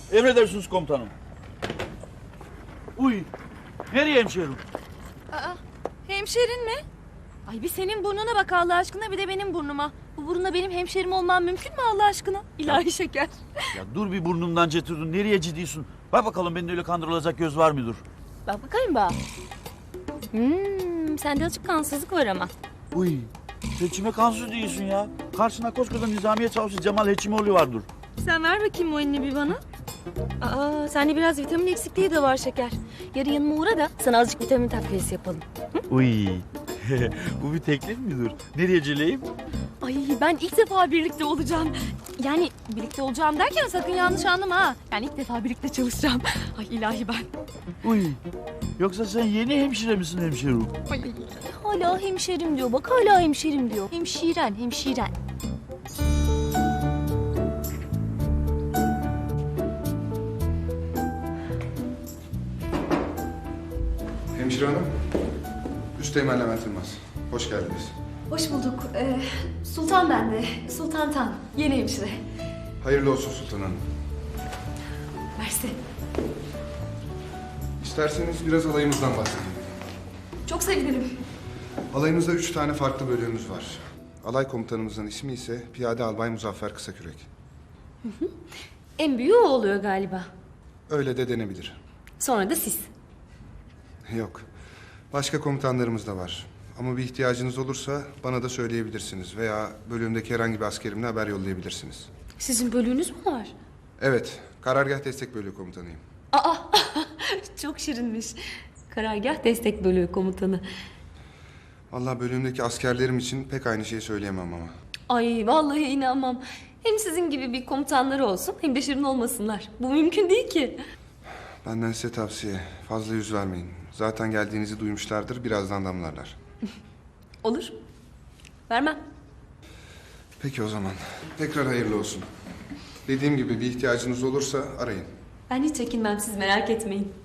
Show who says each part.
Speaker 1: Emredersiniz komutanım. Uy. Nereye hemşerim?
Speaker 2: Aa, hemşerin mi? Ay bir senin burnuna bak Allah aşkına, bir de benim burnuma. Bu burunla benim hemşerim olmam mümkün mü Allah aşkına? İlahi şeker.
Speaker 1: Ya dur bir burnumdan getirdin. Nereye ciddisin? Bak bakalım bende öyle kandırılacak göz var mıdır?
Speaker 2: Bak bakayım bak. Sende açık kansızlık var ama.
Speaker 1: Uy. Sen kime kansız değilsin ya? Karşına koskoca Nizamiye Çavuşu Cemal Heçimoğlu vardır.
Speaker 2: Sen ver bakayım o elini bir bana. Aa, sende biraz vitamin eksikliği de var şeker. Yarın yanıma uğra da sana azıcık vitamin takviyesi yapalım.
Speaker 1: Uy. Bu bir teklif midir? Nereye celeyim?
Speaker 2: Ay ben ilk defa birlikte olacağım. Yani birlikte olacağım derken sakın yanlış anlama ha. Yani ilk defa birlikte çalışacağım. Ay ilahi ben.
Speaker 1: Uy. Yoksa sen yeni hemşire misin hemşerim?
Speaker 2: Ay, hala hemşerim diyor. Bak hala hemşerim diyor. Hemşiren, hemşiren.
Speaker 3: Hemşire hanım, Üsteğmen Levent Yılmaz. Hoş geldiniz.
Speaker 4: Hoş bulduk. Sultan ben de. Sultan Tan. Yeni hemşire.
Speaker 3: Hayırlı olsun Sultan Hanım.
Speaker 4: Mersi.
Speaker 3: İsterseniz biraz alayımızdan bahsedeyim.
Speaker 4: Çok sevinirim.
Speaker 3: Alayımızda 3 tane farklı bölüğümüz var. Alay komutanımızın ismi ise Piyade Albay Muzaffer Kısakürek.
Speaker 2: En büyüğü o oluyor galiba.
Speaker 3: Öyle de denebilir.
Speaker 2: Sonra da siz.
Speaker 3: Yok. Başka komutanlarımız da var. Ama bir ihtiyacınız olursa bana da söyleyebilirsiniz. Veya bölüğümdeki herhangi bir askerimle haber yollayabilirsiniz.
Speaker 2: Sizin bölüğünüz mü var?
Speaker 3: Evet, Karargah Destek Bölüğü komutanıyım.
Speaker 2: Aa, çok şirinmiş. Karargah Destek Bölüğü komutanı.
Speaker 3: Vallahi bölüğümdeki askerlerim için pek aynı şeyi söyleyemem ama.
Speaker 2: Ay vallahi inanmam. Hem sizin gibi bir komutanları olsun hem de şirin olmasınlar. Bu mümkün değil ki.
Speaker 3: Benden size tavsiye, fazla yüz vermeyin. Zaten geldiğinizi duymuşlardır, birazdan damlarlar.
Speaker 2: Olur. Vermem.
Speaker 3: Peki o zaman. Tekrar hayırlı olsun. Dediğim gibi bir ihtiyacınız olursa arayın.
Speaker 2: Ben hiç çekinmem, siz merak etmeyin.